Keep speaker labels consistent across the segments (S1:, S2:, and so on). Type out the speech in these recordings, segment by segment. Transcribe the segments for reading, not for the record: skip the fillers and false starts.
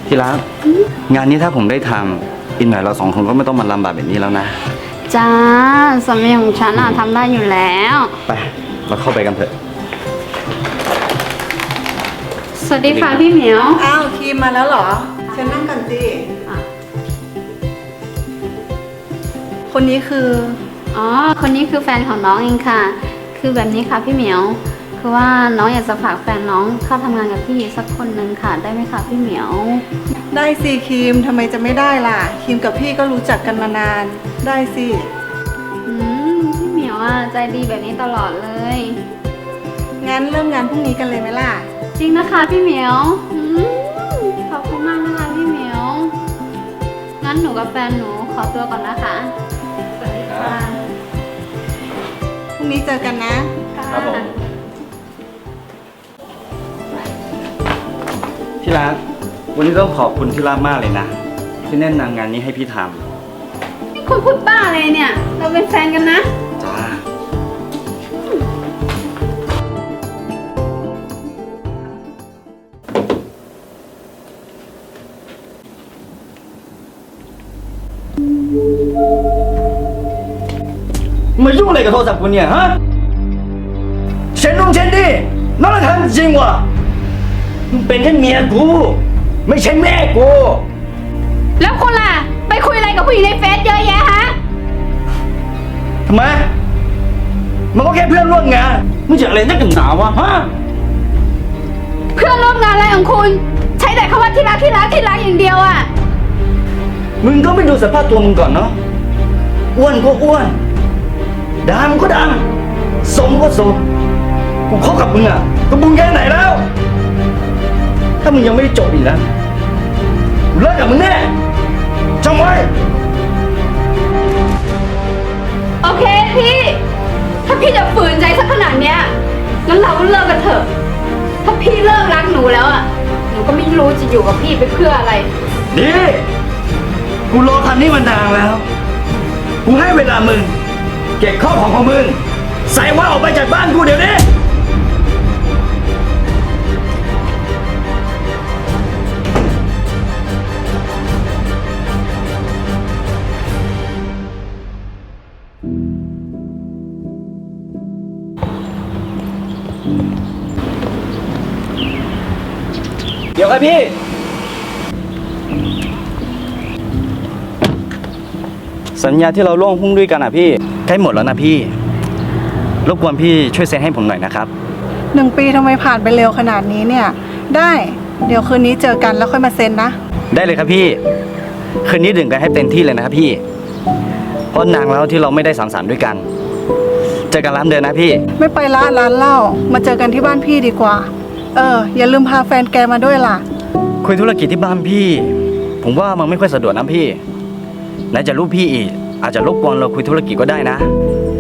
S1: ที่รักงานนี้ถ้าผมได้ทำอีกหน่อยเราสองคนก็ไม่ต้องมาลำบากแบบนี้แล้วนะ
S2: จ้าสามีของฉันทำได้อยู่แล้ว
S1: ไปเราเข้าไปกันเถอะ
S2: สวัสดีค่ะพี่เหมียว
S3: อ้าวครีมมาแล้วเหรอเชิญนั่งกันสิคนนี้คือ
S2: อ๋อคนนี้คือแฟนของน้องเองค่ะคือแบบนี้ค่ะพี่เหมียวคือว่าน้องอยากจะฝากแฟนน้องเข้าทำงานกับพี่สักคนนึงค่ะได้ไหมคะพี่เหมียว
S3: ได้สิครีมทำไมจะไม่ได้ล่ะครีมกับพี่ก็รู้จักกันมานานได้สิ
S2: พี่เหมียวใจดีแบบนี้ตลอดเลย
S3: งั้นเริ่มงานพรุ่งนี้กันเลยไหมล่ะ
S2: จริงนะคะพี่เหมียวขอบคุณมากนะคะพี่เหมียวงั้นหนูกับแฟนหนูขอตัวก่อนนะคะสวัสดีค่ะ
S3: พรุ่งนี้เจอกันนะครับ
S1: ผมที่รักวันนี้ต้องขอบคุณที่รักมากเลยนะที่แนะนำงานนี้ให้พี่ทำ
S2: นี่คุณพูดบ้าอะไรเนี่ยเราเป็นแฟนกันนะ
S1: จ้ามายุ่งอะไรกับโทรศัพท์กูเนี่ยฮะเช็ดนุ่งเช็ดดินั่นแหละทำจริงวะมึงเป็นแค่เมียกูไม่ใช่แม่กู
S2: แล้วคุณล่ะไปคุยอะไรกับผู้หญิงในเฟซเยอะแยะฮะ
S1: ทำไมมันก็แค่เพื่อนร่วมงานมึงจะอะไรนักหนาวะฮะ
S2: เพื่อนร่วมงานอะไรของคุณใช้แต่คำว่าที่รักที่รักที่รักอย่างเดียวอ่ะ
S1: มึงก็ไม่ดูสภาพตัวมึงก่อนเนาะอ้วนก็อ้วนดำก็ดำสมก็สมกูคบกับมึงอ่ะก็บุญแค่ไหนแล้วถ้ามึงยังไม่ได้จบอีกนะกูเลิกกับมึงแน่จำไว้
S2: โอเคพี่ถ้าพี่จะฝืนใจสักขนาดเนี้ยงั้นเราเลิกกันเถอะถ้าพี่เลิกรักหนูแล้วอ่ะหนูก็ไม่รู้จะอยู่กับพี่ไปเพื่ออะไร
S1: ดีกูรอคันนี้มานานแล้วกูให้เวลามึงเก็บข้าวของมึงใส่ว่าออกไปจากบ้านกูเดี๋ยวนี้เดี๋ยวครับพี่สัญญาที่เราร่วมหุ้นด้วยกันพี่ใกล้หมดแล้วนะพี่รบกวนพี่ช่วยเซ็นให้ผมหน่อยนะครับ
S3: 1 ปีทำไมผ่านไปเร็วขนาดนี้เนี่ยได้เดี๋ยวคืนนี้เจอกันแล้วค่อยมาเซ็นนะ
S1: ได้เลยครับพี่คืนนี้ดื่มกันให้เต็มที่เลยนะครับพี่เพราะนานแล้วที่เราไม่ได้สังสรรค์ด้วยกันเจอกันร้านเดินนะพี่
S3: ไม่ไปร้านเหล้ามาเจอกันที่บ้านพี่ดีกว่าอย่าลืมพาแฟนแกมาด้วยล่ะ
S1: คุยธุรกิจที่บ้านพี่ผมว่ามันไม่ค่อยสะดวกนะพี่ไหนจะลูกพี่อีกอาจจะรบกวนเราคุยธุรกิจก็ได้นะ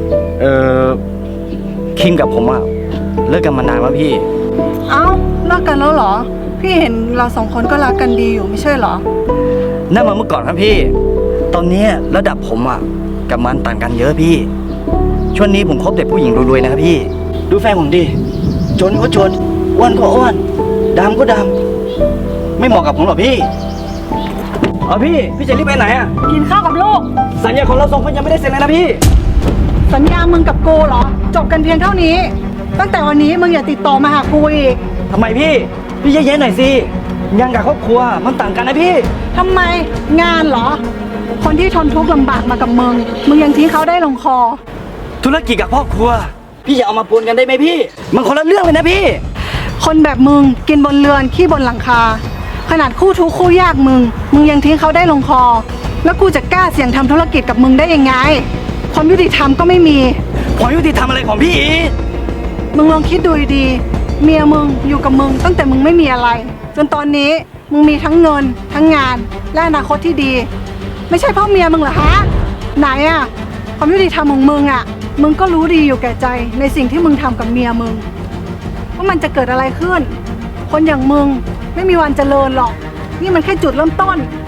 S1: คิมกับผมเลิกกันมานานแล้วพี่
S3: เอ้าเลิกกันแล้วเหรอพี่เห็นเรา2 คนก็รักกันดีอยู่ไม่ใช่เหรอ
S1: นั่นมาเมื่อก่อนครับพี่ตอนนี้ระดับผมกับมันต่างกันเยอะพี่ช่วงนี้ผมคบแต่ผู้หญิงรวยๆนะครับพี่ดูแฟนผมดิจนก็จนอ้วนก็อ้วนดำก็ดำไม่เหมาะกับผมหรอกพี่พี่จะรีบไปไหน
S3: กินข้าวกับลูก
S1: สัญญาของเรา2 คนยังไม่ได้เซ็นเลยนะพี่
S3: สัญญามึงกับกูเหรอจบกันเพียงเท่านี้ตั้งแต่วันนี้มึงอย่าติดต่อมาหากูอีก
S1: ทำไมพี่เย็นๆหน่อยสิงานกับครอบครัวมันต่างกันนะพี่
S3: ทำไมงานเหรอคนที่ทนทุกข์ลำบากมากับมึงยังทิ้งเขาได้ลงคอ
S1: ธุรกิจกับครอบครัวพี่อย่าเอามาปนกันได้ไหมพี่มันคนละเรื่องเลยนะพี่
S3: คนแบบมึงกินบนเรือนขี้บนหลังคาขนาดคู่ทุกข์คู่ยากมึงยังทิ้งเขาได้ลงคอแล้วกูจะกล้าเสี่ยงทำธุรกิจกับมึงได้ยังไงความยุติธรรมก็ไม่มี
S1: ความยุติธรรมอะไรของพี่
S3: มึงลองคิดดูดีเมียมึงอยู่กับมึงตั้งแต่มึงไม่มีอะไรจนตอนนี้มึงมีทั้งเงินทั้งงานและอนาคตที่ดีไม่ใช่เพราะเมียมึงเหรอฮะไหนความยุติธรรมของมึงมึงก็รู้ดีอยู่แก่ใจในสิ่งที่มึงทำกับเมียมึงว่ามันจะเกิดอะไรขึ้นคนอย่างมึงไม่มีวันเจริญหรอกนี่มันแค่จุดเริ่มต้น